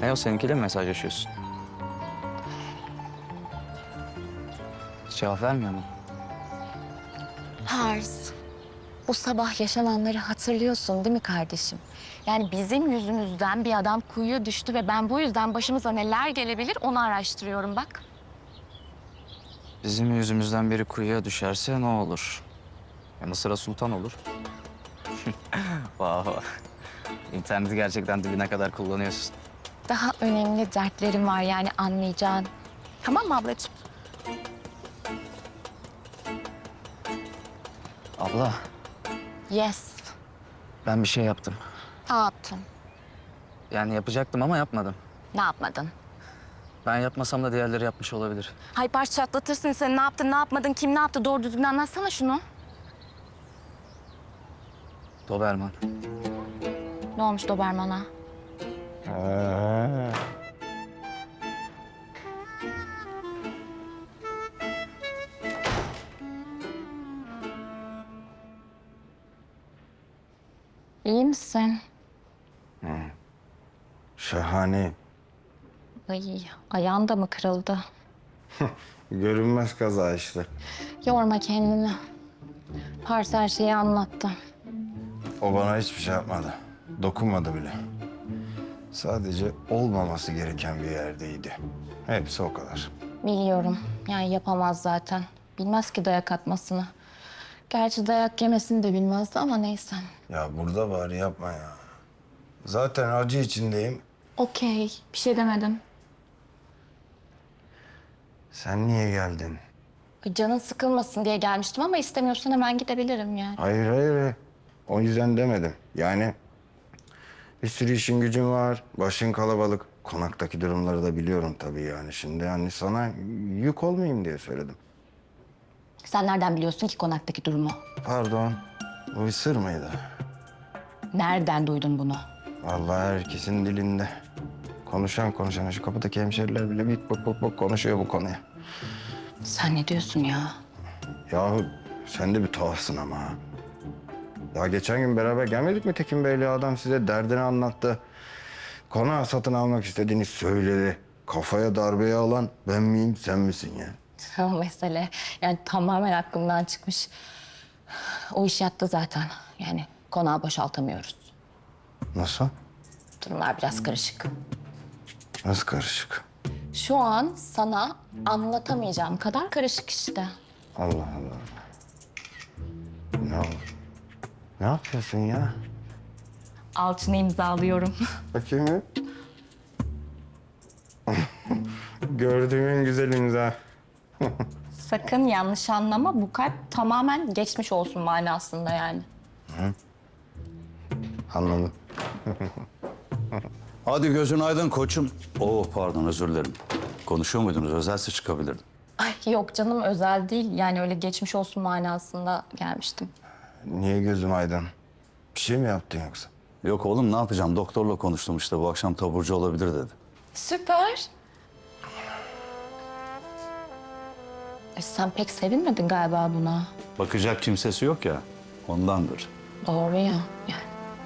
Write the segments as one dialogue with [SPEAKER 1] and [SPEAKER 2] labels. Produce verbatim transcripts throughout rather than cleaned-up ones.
[SPEAKER 1] Ne o, seninkiyle mi mesajlaşıyorsun? Hiç cevap vermiyor mu?
[SPEAKER 2] Pars, bu sabah yaşananları hatırlıyorsun değil mi kardeşim? Yani bizim yüzümüzden bir adam kuyuya düştü ve ben bu yüzden başımıza neler gelebilir onu araştırıyorum bak.
[SPEAKER 1] Bizim yüzümüzden biri kuyuya düşerse ne olur? Ya Mısır'a sultan olur. Vah vah. İnterneti gerçekten dibine kadar kullanıyorsun.
[SPEAKER 2] Daha önemli dertlerim var yani anlayacağın. Tamam mı ablacığım?
[SPEAKER 1] Abla,
[SPEAKER 2] Yes.
[SPEAKER 1] ben bir şey yaptım.
[SPEAKER 2] Ne yaptın?
[SPEAKER 1] Yani yapacaktım ama yapmadım.
[SPEAKER 2] Ne yapmadın?
[SPEAKER 1] Ben yapmasam da diğerleri yapmış olabilir.
[SPEAKER 2] Hay Pars çatlatırsın sen ne yaptın ne yapmadın kim ne yaptı doğru düzgün anlatsana şunu.
[SPEAKER 1] Doberman.
[SPEAKER 2] Ne olmuş Doberman'a?
[SPEAKER 3] Ha.
[SPEAKER 2] İyi misin?
[SPEAKER 3] Şahane.
[SPEAKER 2] Ay ayağın da mı kırıldı?
[SPEAKER 3] Görünmez kaza işte.
[SPEAKER 2] Yorma kendini. Pars her şeyi anlattı.
[SPEAKER 3] O bana hiçbir şey yapmadı. Dokunmadı bile. Sadece olmaması gereken bir yerdeydi. Hepsi o kadar.
[SPEAKER 2] Biliyorum. Yani yapamaz zaten. Bilmez ki dayak atmasını. Gerçi dayak yemesini de bilmezdi ama neyse.
[SPEAKER 3] Ya burada bari yapma ya. Zaten acı içindeyim.
[SPEAKER 2] Okey. Bir şey demedim.
[SPEAKER 3] Sen niye geldin?
[SPEAKER 2] Canın sıkılmasın diye gelmiştim ama istemiyorsan hemen gidebilirim yani.
[SPEAKER 3] Hayır hayır. O yüzden demedim. Yani bir sürü işin gücün var. Başın kalabalık. Konaktaki durumları da biliyorum tabii yani. Şimdi yani sana yük olmayayım diye söyledim.
[SPEAKER 2] Sen nereden biliyorsun ki konaktaki durumu?
[SPEAKER 3] Pardon. Bu bir sır mıydı?
[SPEAKER 2] Nereden duydun bunu?
[SPEAKER 3] Vallahi herkesin dilinde. Konuşan konuşan şu kapıdaki hemşeriler bile bik bok bok bok konuşuyor bu konuya.
[SPEAKER 2] Sen ne diyorsun ya?
[SPEAKER 3] Yahu sen de bir tuhafsın ama ha. Daha geçen gün beraber gelmedik mi Tekin Bey'le? Adam size derdini anlattı. Konağı satın almak istediğini söyledi. Kafaya darbeyi alan ben miyim sen misin ya?
[SPEAKER 2] O mesele yani tamamen aklımdan çıkmış. O iş yattı zaten. Yani konağı boşaltamıyoruz.
[SPEAKER 3] Nasıl?
[SPEAKER 2] Durumlar biraz karışık.
[SPEAKER 3] Nasıl karışık?
[SPEAKER 2] Şu an sana anlatamayacağım kadar karışık işte.
[SPEAKER 3] Allah Allah. Ne oldu? Ne yapıyorsun ya?
[SPEAKER 2] Alçını imzalıyorum.
[SPEAKER 3] Bakayım bir. Gördüğüm en güzel imza.
[SPEAKER 2] Sakın yanlış anlama. Bu kalp tamamen geçmiş olsun manasında yani.
[SPEAKER 3] Anladım.
[SPEAKER 4] Hadi gözün aydın koçum. Oo pardon özür dilerim. Konuşuyor muydunuz? Özelse çıkabilirdim.
[SPEAKER 2] Ay yok canım özel değil. Yani öyle geçmiş olsun manasında gelmiştim.
[SPEAKER 3] Niye gözüm aydın? Bir şey mi yaptın yoksa?
[SPEAKER 4] Yok oğlum ne yapacağım? Doktorla konuştum işte. Bu akşam taburcu olabilir dedi.
[SPEAKER 2] Süper. E, sen pek sevinmedin galiba buna.
[SPEAKER 4] Bakacak kimsesi yok ya. Ondandır.
[SPEAKER 2] Doğru ya. Yani.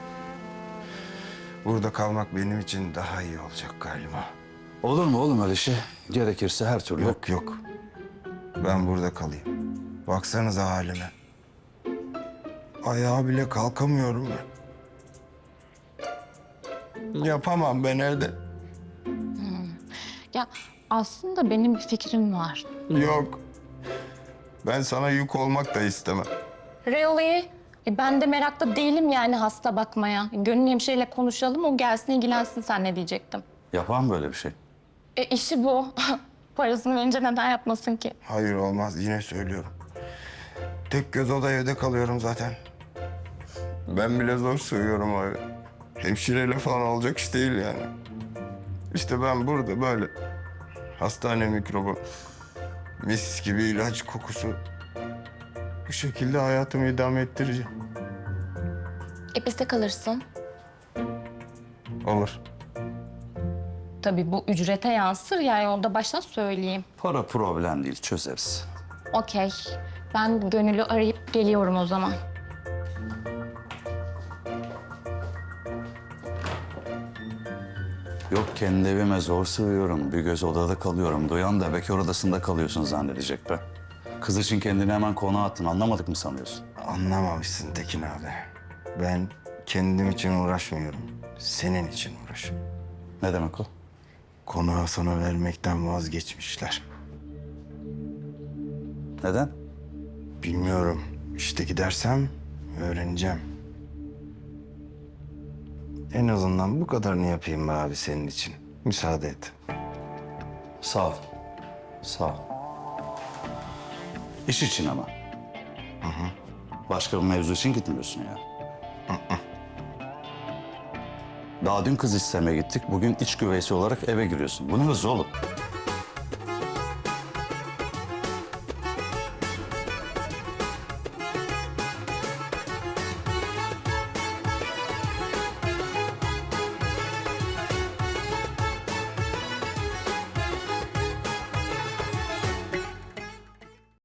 [SPEAKER 3] Burada kalmak benim için daha iyi olacak galiba.
[SPEAKER 4] Olur mu oğlum öyle şey? Gerekirse her türlü.
[SPEAKER 3] Yok yok. Ben burada kalayım. Baksanıza halime. Ayağa bile kalkamıyorum ben. Yapamam ben evde.
[SPEAKER 2] Ya aslında benim bir fikrim var.
[SPEAKER 3] Yok. Ben sana yük olmak da istemem.
[SPEAKER 2] Really? E, ben de meraklı değilim yani hasta bakmaya. Gönül hemşireyle konuşalım, o gelsin ilgilensin sen ne diyecektim.
[SPEAKER 4] Yapar mı böyle bir şey?
[SPEAKER 2] E işi bu. Parasını verince neden yapmasın ki?
[SPEAKER 3] Hayır olmaz yine söylüyorum. Tek göz oda evde kalıyorum zaten. Ben bile zor sığıyorum o eve. Hemşireyle falan olacak iş değil yani. İşte ben burada böyle hastane mikrobu, mis gibi ilaç kokusu. Bu şekilde hayatımı idame ettireceğim.
[SPEAKER 2] E bizde kalırsın.
[SPEAKER 3] Olur.
[SPEAKER 2] Tabii bu ücrete yansır yani onda baştan söyleyeyim.
[SPEAKER 4] Para problem değil çözeriz.
[SPEAKER 2] Okey. Ben Gönül'ü arayıp geliyorum o zaman.
[SPEAKER 4] Yok kendi evime zor sığıyorum. Bir göz odada kalıyorum. Duyan da bekar odasında kalıyorsun zannedecek be. Kız için kendini hemen konağa attın. Anlamadık mı sanıyorsun?
[SPEAKER 3] Anlamamışsın Tekin abi. Ben kendim için uğraşmıyorum. Senin için uğraşıyorum.
[SPEAKER 4] Ne demek o?
[SPEAKER 3] Konağı sana vermekten vazgeçmişler.
[SPEAKER 4] Neden?
[SPEAKER 3] Bilmiyorum. İşte gidersem öğreneceğim. En azından bu kadarını yapayım be abi senin için. Müsaade et.
[SPEAKER 4] Sağ ol. Sağ ol. İş için ama. Başka bir mevzu için gitmiyorsun ya. Daha dün kız istemeye gittik. Bugün iç güveysi olarak eve giriyorsun. Bu ne hız oğlum?